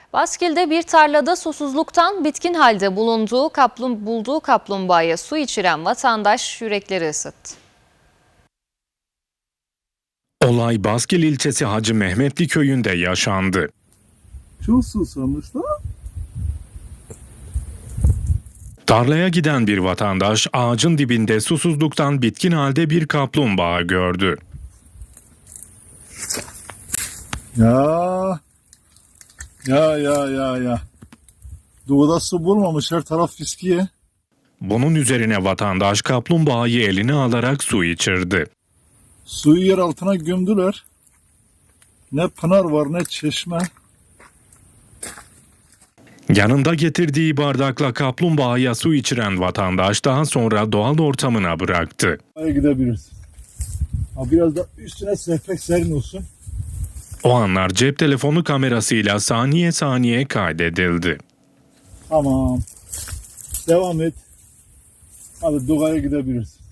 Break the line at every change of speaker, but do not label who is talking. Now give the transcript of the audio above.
Baskil'de bir tarlada susuzluktan bitkin halde bulduğu kaplumbağaya su içiren vatandaş yürekleri ısıttı.
Olay Baskil ilçesi Hacı Mehmetli köyünde yaşandı.
Çok susamışlar.
Tarlaya giden bir vatandaş ağacın dibinde susuzluktan bitkin halde bir kaplumbağa gördü.
Ya. Doğuda su bulmamış, her taraf fiskiye.
Bunun üzerine vatandaş kaplumbağayı eline alarak su içirdi.
Suyu yer altına gömdüler. Ne pınar var ne çeşme.
Yanında getirdiği bardakla kaplumbağaya su içiren vatandaş daha sonra doğal ortamına bıraktı.
Oraya gidebiliriz. Biraz da üstüne sehpek serin olsun.
O anlar cep telefonu kamerasıyla saniye saniye kaydedildi.
Tamam. Devam et. Hadi Doğa'ya gidebiliriz.